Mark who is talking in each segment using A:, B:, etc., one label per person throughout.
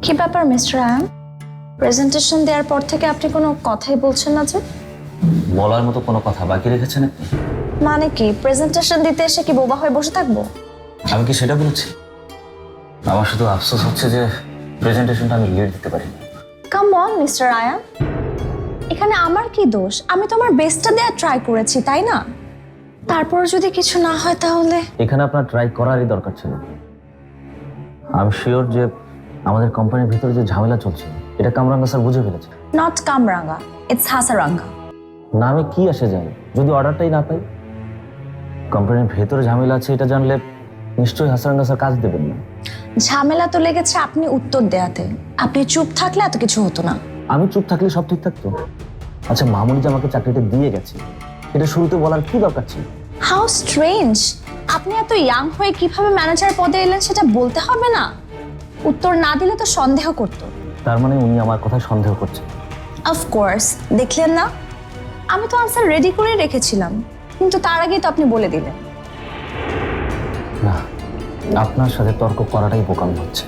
A: কি ব্যাপার mister Ayaan, presentation দেওয়ার পর থেকে আপনি কোনো কথাই বলছেন না যে?
B: বলার মতো কোনো কথা বাকি রেখেছেন আপনি?
A: মানে কি, প্রেজেন্টেশন দিতে এসে কি বোবা হয়ে বসে থাকবো?
B: আমি কি সেটা বলেছি? আমার শুধু আফসোস হচ্ছে যে প্রেজেন্টেশনটা আমি লিড দিতে পারিনি।
A: কাম অন মিস্টার আয়ান, এখানে আমার কি দোষ? আমি তো আমার বেস্টটা দেওয়ার ট্রাই করেছি, তাই না? তারপর যদি কিছু না হয় তাহলে?
B: এখানে আপনার ট্রাই করারই দরকার ছিল। আমি শিওর যে আমাদের কোম্পানির ভিতরে যে ঝামেলা চলছে এটা কামরাঙ্গা স্যার বুঝে ফেলেছে।
A: নট কামরাঙ্গা, ইটস হাসারাঙ্গা।
B: নামে কি আসে যায় যদি অর্ডারটাই না পাই? কোম্পানির ভেতরে ঝামেলা আছে এটা জানলে নিশ্চয়ই হাসারাঙ্গা স্যার কাজ দেবেন না।
A: ঝামেলা তো লেগেছে আপনি উত্তর দেয়াতে। আপনি চুপ থাকলে এত কিছু হতো না।
B: আমি চুপ থাকলে সব ঠিক থাকতো? আচ্ছা, মামুনি যে আমাকে চাকরিটা দিয়ে গেছে এটা শুরুতে বলার কি দরকার ছিল?
A: হাউ স্ট্রেঞ্জ, আপনি এত ইয়াং হয়ে কিভাবে ম্যানেজার পদে এলেন সেটা বলতে হবে না? উত্তর না দিলে তো সন্দেহ করতো।
B: তার মানে উনি আমার কথায় সন্দেহ করছেন?
A: অফকোর্স, দেখলেন না আমি তো আনসার রেডি করে রেখেছিলাম, কিন্তু তার আগেই তো আপনি বলে দিলেন।
B: না, আপনার সাথে তর্ক করাটাই বোকামি হচ্ছে।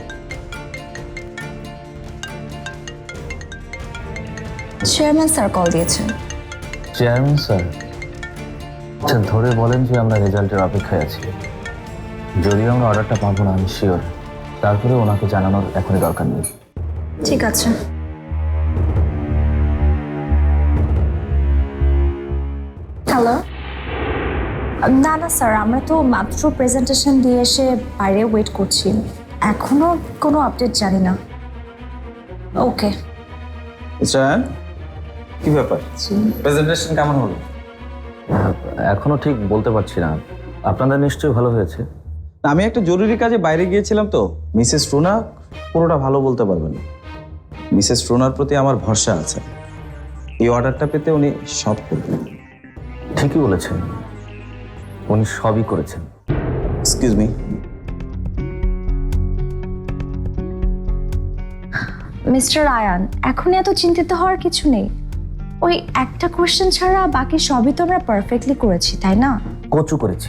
A: চেয়ারম্যান স্যার কল দিয়েছেন।
B: Chairman sir? আচ্ছা, ধরে বলেন যে আমরা রেজাল্টের অপেক্ষায় আছি। যদিও আমরা অর্ডারটা পাবো না আমি শিওর, তারপরে ওনাকে জানানোর এখনই দরকার নেই।
A: ঠিক আছে। হ্যালো। না না স্যার, আমরা তো মাত্র প্রেজেন্টেশন দিয়ে এসে বাইরে ওয়েট করছি, এখনো কোনো আপডেট জানি না। ওকে।
C: কি ব্যাপার, প্রেজেন্টেশন কেমন হলো?
B: এখনো ঠিক বলতে পারছি না। আপনাদের নিশ্চয়ই ভালো হয়েছে।
C: আমি একটা জরুরি কাজে বাইরে গিয়েছিলাম তো মিসেস রুনা পুরোটা ভালো বলতে পারবেন না। মিসেস রুনার প্রতি আমার ভরসা আছে, এই অর্ডারটা পেতে উনি সব করবেন।
B: ঠিকই বলেছেন, উনি সবই করেছেন।
C: Excuse me.
A: মিস্টার আয়ান, এখন এত চিন্তিত হওয়ার কিছু নেই। ওই একটা কোশ্চেন ছাড়া বাকি সবই তো আমরা পারফেক্টলি করেছি, তাই না?
B: কচু করেছি।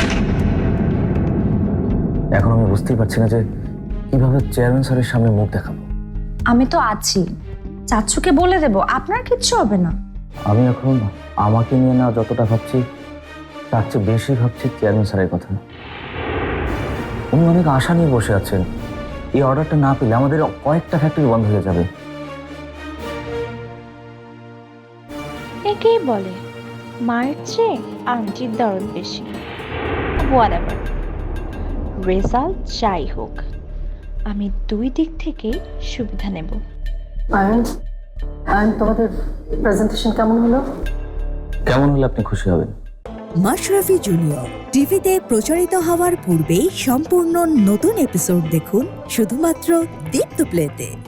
B: এখন আমি বুঝতেই পারছি না যে কিভাবে চেয়ারম্যান স্যারের সামনে মুখ দেখাবো।
A: আমি তো আছি, চাচ্চুকে বলে দেব, আপনার কিচ্ছু হবে না।
B: আমি এখন আমাকে নিয়ে না যতটা ভাবছি তার চেয়ে বেশি ভাবছি চেয়ারম্যান স্যারের কথা। উনি অনেক আশা নিয়ে বসে আছেন। এই অর্ডারটা না পেলে আমাদের কয়েকটা ফ্যাক্টরি বন্ধ হয়ে যাবে।
D: একেই বলে মায়ের চেয়ে আন্টির দরদ বেশি। হোয়াটএভার, রেজাল্ট যাই হোক, আমি দুই দিক থেকেই সুবিধা নেব।
E: আয়ন, তোমাদের প্রেজেন্টেশন কেমন হলো?
B: কেমন হলে আপনি খুশি হবেন?
F: মাশরাফি জুনিয়র টিভিতে প্রচারিত হওয়ার পূর্বেই সম্পূর্ণ নতুন এপিসোড দেখুন শুধুমাত্র দীপ্ত প্লেতে।